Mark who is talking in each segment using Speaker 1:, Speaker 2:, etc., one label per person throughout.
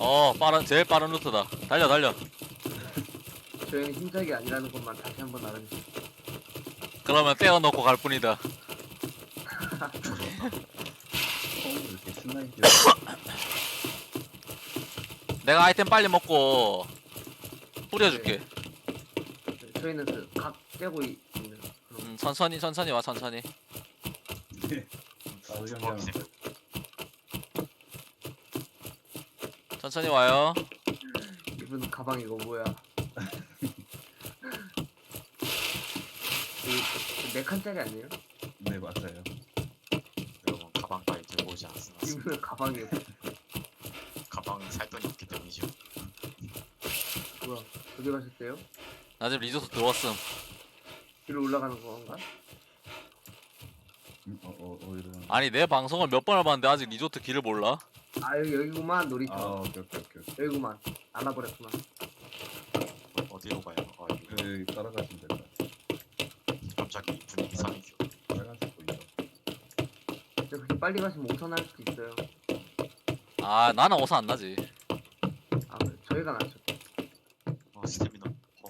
Speaker 1: 제일 빠른 루트다. 달려, 달려.
Speaker 2: 저희는 힘짝이 아니라는 것만 다시 한번 알아주세요.
Speaker 1: 그러면 떼어놓고 갈 뿐이다.
Speaker 3: 이렇게 신나게
Speaker 1: 내가 아이템 빨리 먹고 뿌려줄게.
Speaker 2: 저희는 그 각 떼고 있는 그런
Speaker 1: 천천히, 천천히 와, 천천히.
Speaker 3: 뛰어.
Speaker 1: 천천히 와요.
Speaker 2: 이분 가방 이거 뭐야? 네 칸짜리 아니에요?
Speaker 3: 네 맞아요.
Speaker 4: 여러분 가방까지 들고 오지 않았습니다.
Speaker 2: 이분은 가방이
Speaker 4: 가방에 살 돈이 없기 때문이죠.
Speaker 2: 뭐야? 어디 가셨대요?
Speaker 1: 나 지금 리조트 들어왔음.
Speaker 2: 뒤로 올라가는 건가?
Speaker 3: 이런.
Speaker 1: 아니, 내 방송을 몇 번을 봤는데 아직 리조트 길을 몰라?
Speaker 2: 아 여기구만 놀이터.
Speaker 3: 오케이.
Speaker 2: 여기구만. 알아버렸구만.
Speaker 4: 어디로 가요? 아 이거
Speaker 3: 그 따라가시면 될 것 같아요.
Speaker 4: 갑자기 분위기 상해져.
Speaker 3: 빨간색 보이죠?
Speaker 2: 근데 그렇게 빨리 가시면 5선 할 수도 있어요.
Speaker 1: 아, 나는 어서 안 나지.
Speaker 2: 아 그래, 저희가 낫죠.
Speaker 4: 스태미너.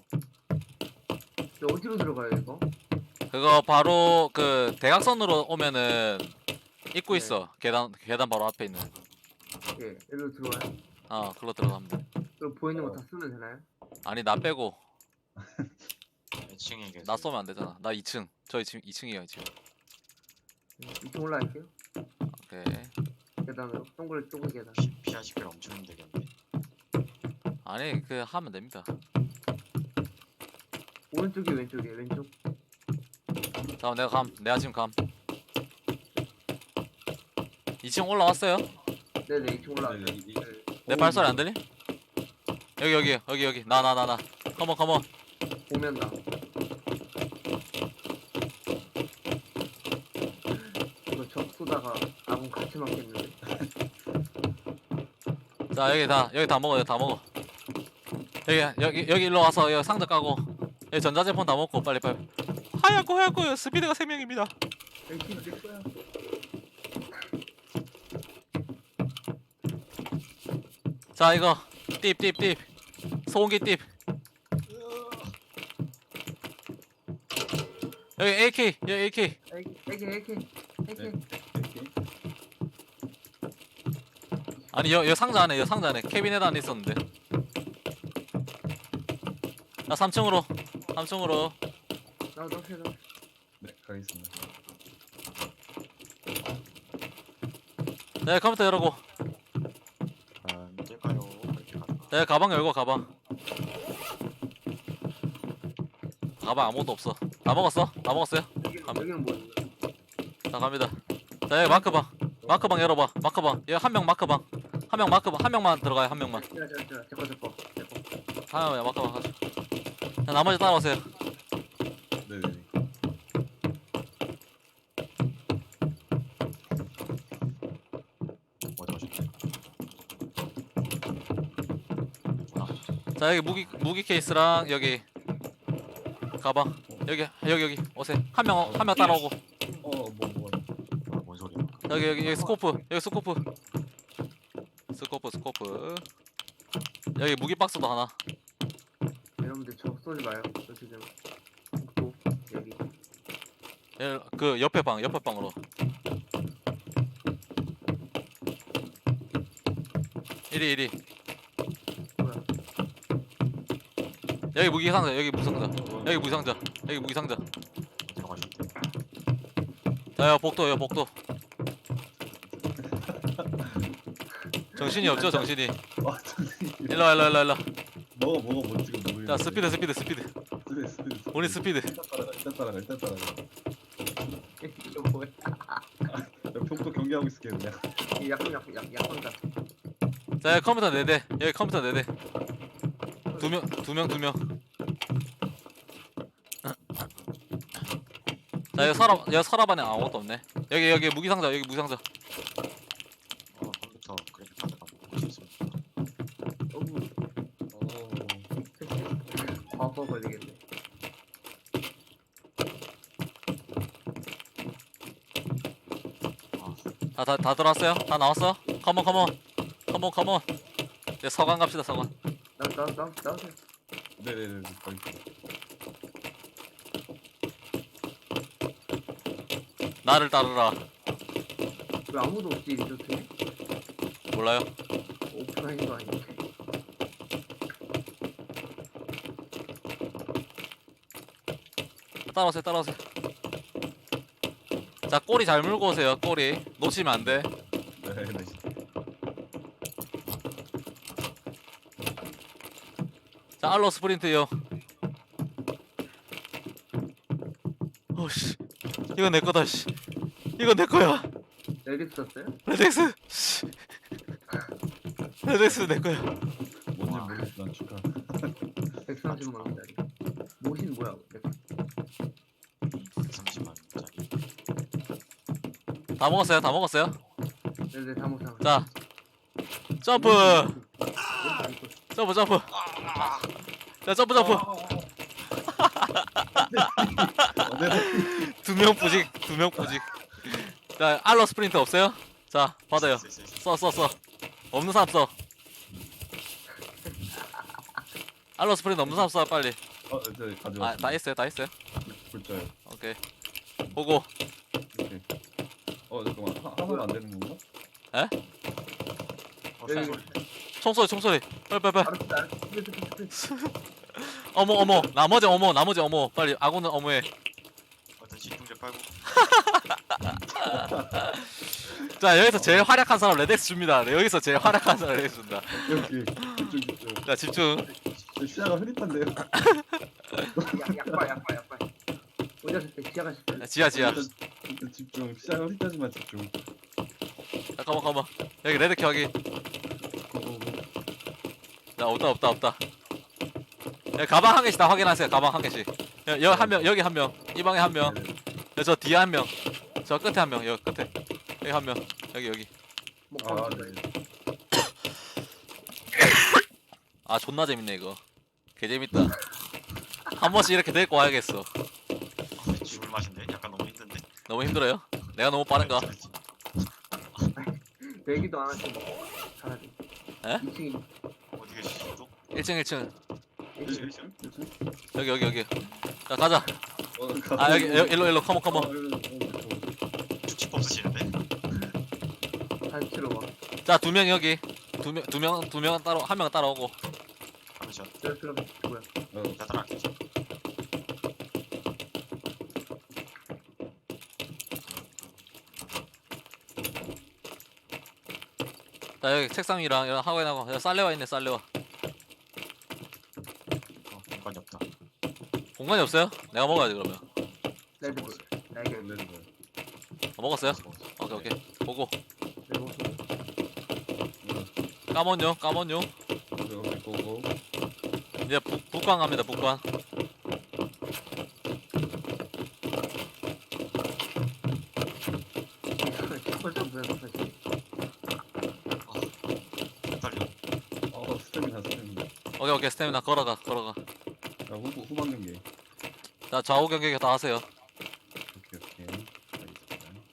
Speaker 2: 근데 어디로 들어가요 이거?
Speaker 1: 그거 바로 그 대각선으로 오면은 입구
Speaker 2: 네.
Speaker 1: 있어. 계단 바로 앞에 있는.
Speaker 2: 예, 여기로 들어와요.
Speaker 1: 그걸로 들어가면 돼.
Speaker 2: 그럼 보이는 거 다 쓰면 되나요?
Speaker 1: 아니, 나 빼고.
Speaker 4: 몇 층에 계세요?
Speaker 1: 나 쏘면 안 되잖아. 나 2층. 저희 지금 2층이에요, 지금.
Speaker 2: 이쪽 올라갈게요.
Speaker 1: 오케이.
Speaker 2: 계단으로 동굴 계단.
Speaker 4: 피하시길 엄청 힘들겠네.
Speaker 1: 아니, 하면 됩니다.
Speaker 2: 오른쪽이 왼쪽.
Speaker 1: 내가 지금 감. 2층 올라왔어요?
Speaker 2: 네네 이쪽 올라가.
Speaker 3: 네,
Speaker 1: 내 발소리 안 들리? 여기. 나. 컴온.
Speaker 2: 보면 나. 이거 적 쏘다가 아군 같이 맞겠는데.
Speaker 1: 자, 여기 다 먹어. 여기 일로 와서 여기 상자 까고. 여기 전자제품 다 먹고 빨리. 하얗고 스피드가 3명입니다.
Speaker 2: 여기 내 거야.
Speaker 1: 자, 이거 띠 소음기 띠. 여기 AK.
Speaker 2: AK.
Speaker 1: 아니, 여기 상자 안에 캐비넷 안에 있었는데. 자, 3층으로.
Speaker 2: 나 넣으세요.
Speaker 3: 네 가겠습니다.
Speaker 1: 네, 컴퓨터 열고.
Speaker 4: 힘들까요? 이렇게 가다가.
Speaker 1: 네, 가방 열고 가방 아무것도 없어. 다 먹었어요?
Speaker 2: 여기는 뭐예요?
Speaker 1: 자, 갑니다. 자, 여기 마크방 열어봐. 여기 한 명만 들어가요. 한 명만.
Speaker 2: 제거.
Speaker 1: 하나만 마크방 가자. 자, 나머지 따라오세요.
Speaker 3: 네네.
Speaker 4: 어디 가셨대?
Speaker 1: 자, 여기 무기 케이스랑 여기 가방. 여기 오세요. 한 명 따라오고.
Speaker 4: 뭔 소리야?
Speaker 1: 여기 스코프. 여기 무기 박스도 하나.
Speaker 2: 여러분들 적 쏘지 마요. 저 지금 복도 여기.
Speaker 1: 그 옆에 방으로. 1위.
Speaker 2: 뭐야?
Speaker 1: 여기 무기상자. 여기 무기상자.
Speaker 4: 어디 가셨대?
Speaker 1: 자, 여기 복도. 정신이 없죠, 정신이. 일로 와.
Speaker 3: 뭐가 뭔지 모르겠는데.
Speaker 1: 자, 스피드.
Speaker 3: 스피드.
Speaker 1: 우리 스피드.
Speaker 3: 일단 따라가.
Speaker 2: 이거 뭐야?
Speaker 3: 평소 경기하고 있을게요 그냥.
Speaker 2: 약혼자.
Speaker 1: 자, 여기 컴퓨터 4대. 두 명. 자, 여기 서랍 안에 아무것도 없네. 여기 무기상자.
Speaker 4: 컴퓨터 그래픽 카드가 먹고 싶습니다.
Speaker 2: 과거 걸리겠네.
Speaker 4: 아
Speaker 1: 다 들어왔어요? 다 나왔어? 컴온. 이제 서관 갑시다 서관.
Speaker 2: 나오세요.
Speaker 3: 네네네. 거기 있어.
Speaker 1: 나를 따르라.
Speaker 2: 왜 아무도 없지 리조트에?
Speaker 1: 몰라요?
Speaker 2: 오프라인 거 아니야?
Speaker 1: 따라오세요 따라오세요. 자 꼬리 잘 물고 오세요. 꼬리 놓치면 안 돼.
Speaker 3: 네네.
Speaker 1: 자 알로 스프린트요. 어씨 이거 내 거다 씨. 이거 내 거야.
Speaker 2: 레덱스 썼어요?
Speaker 1: 레덱스. 씨. 레덱스 내 거야.
Speaker 3: 뭔지 모르겠지만 축하.
Speaker 2: 130만 원짜리. 모신 뭐야?
Speaker 4: 130만 원짜리.
Speaker 1: 다 먹었어요 다 먹었어요.
Speaker 2: 네네 다모상.
Speaker 1: 자 점프 점프 점프. 자 점프 점프.
Speaker 3: 네.
Speaker 1: 두 명 부직 두 명 부직. 자 알로 스프린트 없어요? 자 받아요. 써 써 써. 없는 사람 써. 알로 스프린트 없는 사람 써 빨리.
Speaker 3: 저 가져왔어요.
Speaker 1: 아 다 했어요 다 했어요.
Speaker 3: 불자요.
Speaker 1: 오케이. 보고.
Speaker 3: 오케이. 잠깐만. 하면 안 되는 건가?
Speaker 4: 어,
Speaker 2: 여기
Speaker 4: 소리.
Speaker 1: 총소리 총소리. 빨리.
Speaker 2: 알았어.
Speaker 1: 어머 어머 나머지 어머 빨리 아군은 어머해.
Speaker 4: 일단 진통제 빨고.
Speaker 1: 자 여기서 제일 활약한 사람 레덱스 줍니다. 네, 여기서 제일 활약한 사람 레덱스 준다.
Speaker 3: 여기 집중.
Speaker 1: 자 집중.
Speaker 3: 저 시야가 흐릿한데요.
Speaker 2: 약발. 어디 갔을 때 지하 갔을 때?
Speaker 1: 자, 지하.
Speaker 3: 일단 집중. 시야가 흐릿하지만 집중.
Speaker 1: 잠깐만 여기 레덱 확인. 자 없다. 야, 가방 한 개씩 다 확인하세요. 가방 한 개씩. 여기 한 명, 여기 한 명, 이 방에 한 명, 저 뒤에 한 명, 저 끝에 한 명, 여기 끝에 여기 한 명, 여기.
Speaker 3: 아,
Speaker 2: 먹방
Speaker 3: 네.
Speaker 1: 아 존나 재밌네 이거. 개 재밌다. 한 번씩 이렇게 데리고 와야겠어.
Speaker 4: 죽을 맛인데? 약간 너무 힘든데?
Speaker 1: 너무 힘들어요? 내가 너무 빠른가?
Speaker 2: 내기도 안 하시고 잘하지.
Speaker 1: 에?
Speaker 2: 2층이
Speaker 4: 어디 계시죠? 또?
Speaker 1: 1층.
Speaker 3: 1층?
Speaker 1: 여기. 자 가자. 아 여기 일로 컴온.
Speaker 4: 축집 없으시는데?
Speaker 2: 단치로 와.
Speaker 1: 자 두 명 여기. 두 명 따로 한 명 따라오고.
Speaker 4: 잠시만.
Speaker 2: 내가 들어 뭐야?
Speaker 4: 나 따라갈게.
Speaker 1: 자 여기 책상이랑 이런 하고인하고 쌀레와 있네 쌀레와.
Speaker 4: 공간이 없다.
Speaker 1: 공간이 없어요? 내가 먹어야지 그러면.
Speaker 2: 레드불. 날개.
Speaker 1: 먹었어요? 오케이. 보고.
Speaker 2: 레고.
Speaker 1: 까몬요.
Speaker 3: 보고.
Speaker 1: 이제 북관 갑니다 북관.
Speaker 2: 펄쩍 뭐야 사실.
Speaker 4: 헷갈려.
Speaker 3: 스태미나.
Speaker 1: 오케이 스태미나 걸어가.
Speaker 3: 자, 후방 경기.
Speaker 1: 자 좌우 경계 다 하세요.
Speaker 3: 오케이. 알겠습니다.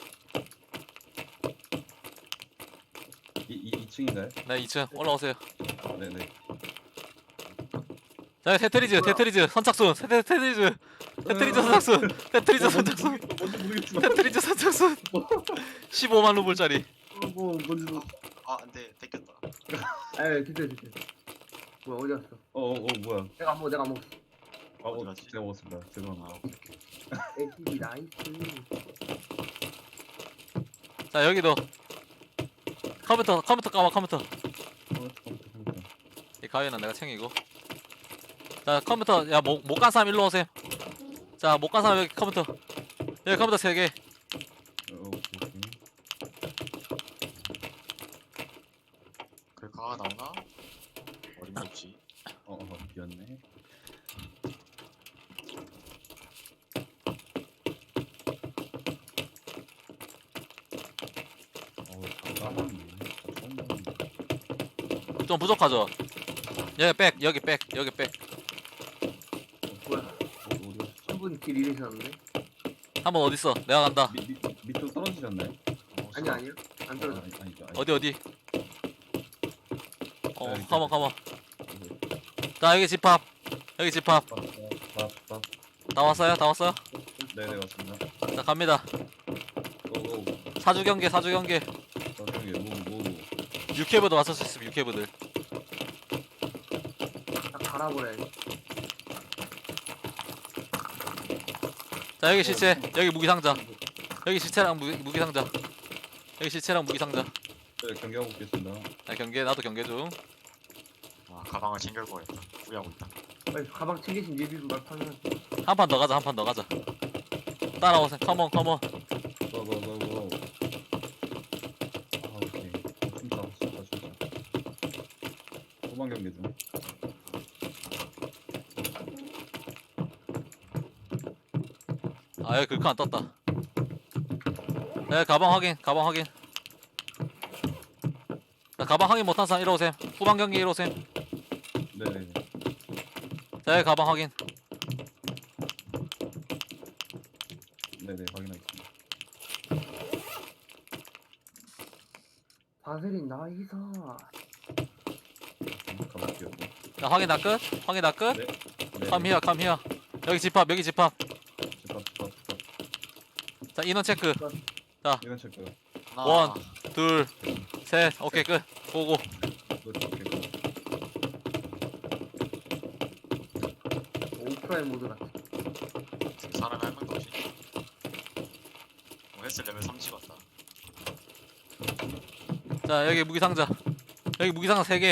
Speaker 3: 2층인가요?
Speaker 1: 네 2층 올라오세요.
Speaker 3: 네네.
Speaker 1: 자 테트리즈 선착순. 테트리즈 선착순.
Speaker 3: 뭔지 모르겠지만.
Speaker 1: 테트리즈 선착순. 15만 루블짜리.
Speaker 3: 뭔지
Speaker 4: 안돼. 뺏겼다.
Speaker 2: 아 드디어. 뭐야 어디 갔어?
Speaker 3: 뭐야.
Speaker 2: 내가 안 먹었어.
Speaker 3: 아,
Speaker 4: 어디 갔지?
Speaker 3: 제가 먹었습니다. 죄송합니다.
Speaker 2: ATV 나이스.
Speaker 1: 자 여기도 컴퓨터 까봐 컴퓨터. 이 가위는 내가 챙기고. 자 컴퓨터 야 못 간 사람 일로 오세요. 자 못 간 사람 여기 컴퓨터. 여기 컴퓨터 3개.
Speaker 3: 오케이.
Speaker 4: 글카가 나오나? 어림없지.
Speaker 3: 비었네.
Speaker 1: 좀 부족하죠? 여기 백.
Speaker 2: 뭐야? 한 분 길 잃으셨는데?
Speaker 1: 한 번 어딨어? 내가 간다.
Speaker 3: 밑으로 떨어지셨나요?
Speaker 2: 아니야. 안 떨어져.
Speaker 3: 아니죠.
Speaker 1: 어디? 컴온 컴온. 자 여기 집합. 여기 집합.
Speaker 3: 밥밥
Speaker 1: 다 왔어요? 다 왔어요?
Speaker 3: 네네 맞습니다.
Speaker 1: 자 갑니다.
Speaker 3: 고고
Speaker 1: 사주 경계 사주 경계.
Speaker 3: 저기 뭐
Speaker 1: 유캐브도 왔을 수 있으면 유캐브들.
Speaker 2: 딱 갈아버려.
Speaker 1: 자 여기 시체. 여기 무기 상자. 여기 시체랑 무기 상자. 여기 시체랑 무기 상자.
Speaker 3: 네 경기하고 있겠습니다.
Speaker 1: 나 경계 나도 경계 중.
Speaker 4: 아 가방을 챙길 거였다. 후회하고 있다.
Speaker 2: 빨리 가방 챙기신 예비 말파는
Speaker 1: 한 판 더 가자 한 판 더 가자. 따라오세요. 컴온 컴온.
Speaker 3: 고고고고. 아 오케이. 진짜. 후반 경기 중.
Speaker 1: 아 여기 글카 안 떴다. 네 가방 확인 가방 확인. 자 가방 확인 못한 사람 이리 오셈. 후반 경기 이리 오셈.
Speaker 3: 네네.
Speaker 1: 자 여기 가방 확인.
Speaker 3: 네네 확인하겠습니다.
Speaker 2: 바세린 나이사.
Speaker 3: 가볼게요.
Speaker 1: 자 확인 다 끝. 확인 다 끝.
Speaker 3: 네.
Speaker 1: 컴 히어 컴 히어. 여기 집합 여기 집합.
Speaker 3: 집합.
Speaker 1: 자 인원 체크.
Speaker 3: 이건 체크.
Speaker 4: 하나.
Speaker 1: 원. 둘. 셋. 오케이 끝. 고고.
Speaker 3: 오케이.
Speaker 2: 오프라인 모드 같아.
Speaker 4: 지금 사람이 한 명도 없이. 헬스 레벨 3 찍었다.
Speaker 1: 자 여기 무기 상자. 여기 무기 상자 3개.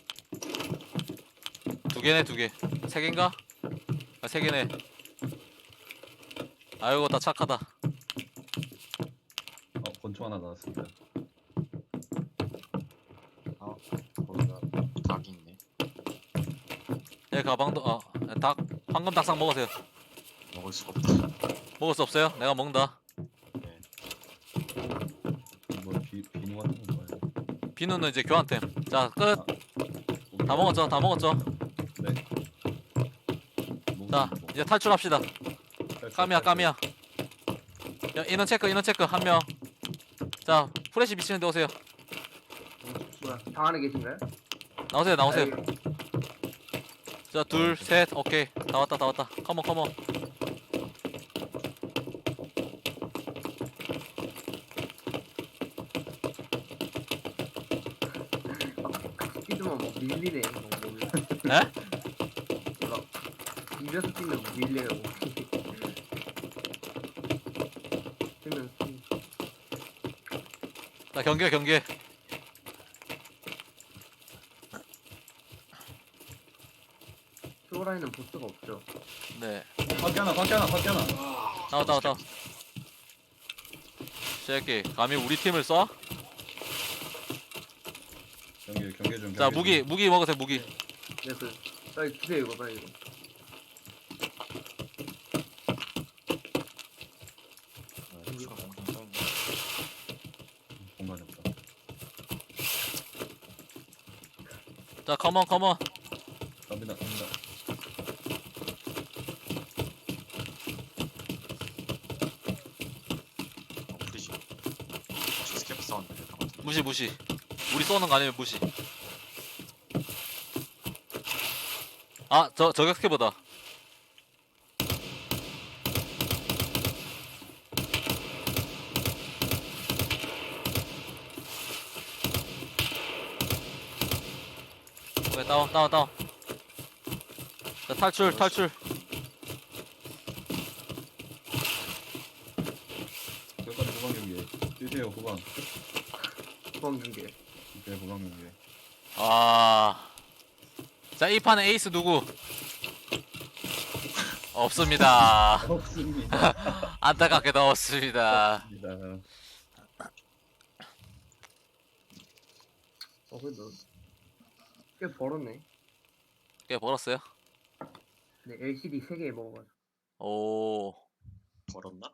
Speaker 1: 2개네 2개. 3개인가? 아 3개네. 아이고 다 착하다.
Speaker 3: 권총 하나 나왔습니다.
Speaker 4: 거기가 닭이 있네.
Speaker 1: 여기 가방도 닭 황금 닭상 먹으세요.
Speaker 4: 먹을 수가 없다.
Speaker 1: 먹을 수 없어요? 내가 먹는다.
Speaker 4: 네.
Speaker 3: 뭐 비누 같은 거 뭐예요?
Speaker 1: 비누는 이제 교환템. 자 끝. 다 먹었죠? 다 먹었죠?
Speaker 3: 네.
Speaker 1: 자 이제 탈출합시다. 까미야 까미야. 야 인원 체크 한 명. 자 프레시 미치는 데 오세요.
Speaker 2: 뭐야? 방 안에 계신가요?
Speaker 1: 나오세요 나오세요.
Speaker 2: 아,
Speaker 1: 자 둘 셋 오케이 다 왔다 다 왔다. 컴온 컴온.
Speaker 2: 뛰면 뭐 밀리네. 몸이.
Speaker 1: 에?
Speaker 2: 몰라. 밀려서 뛰면 뭐 밀려요. 뛰면
Speaker 1: 자 경계.
Speaker 2: 쇼라인은 보스가 없죠.
Speaker 1: 네.
Speaker 3: 밖에 하나.
Speaker 1: 나와. 새끼 감히 우리 팀을 쏴?
Speaker 3: 경계 중.
Speaker 1: 자 무기 먹으세요 무기.
Speaker 2: 네, 빨리 주세요 이거 빨리 이거.
Speaker 4: 추가 공중 써 있네.
Speaker 3: 공간이 없다.
Speaker 1: 자 컴온
Speaker 3: 갑니다.
Speaker 4: 프리지. 스케프 사운드 될것 같은데.
Speaker 1: 무시. 우리 쏘는 거 아니면 무시. 아 저격스케보다. 오케이 다운. 자 탈출.
Speaker 3: 여기까지 후반 경기. 뛰세요 후반.
Speaker 2: 구멍 중계.
Speaker 3: 오케이 후반 경기.
Speaker 1: 아. 자, 이 판에 에이스 누구? 없습니다.
Speaker 3: 없습니다.
Speaker 1: 안타깝게도 없습니다.
Speaker 2: 그래도 꽤 벌었네.
Speaker 1: 꽤 벌었어요?
Speaker 2: 네, LCD 3개 먹어가지고.
Speaker 1: 오.
Speaker 4: 벌었나?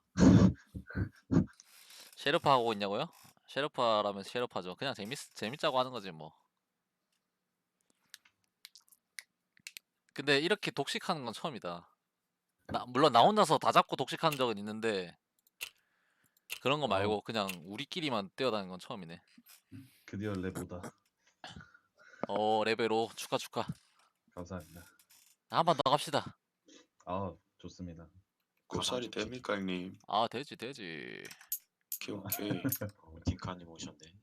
Speaker 1: 셰르파 하고 있냐고요? 셰르파라면 셰르파죠. 그냥 재밌자고 하는 거지 뭐. 근데 이렇게 독식하는 건 처음이다. 물론 나 혼자서 다 잡고 독식한 적은 있는데 그런 거 말고 그냥 우리끼리만 뛰어다니는 건 처음이네.
Speaker 3: 드디어 레보다.
Speaker 1: 레벨 5 축하.
Speaker 3: 감사합니다.
Speaker 1: 한 번 더 갑시다.
Speaker 3: 아 좋습니다.
Speaker 5: 고살이 됩니까 형님?
Speaker 1: 아 되지.
Speaker 5: 오케이 오케이.
Speaker 4: 딩카님 오셨네.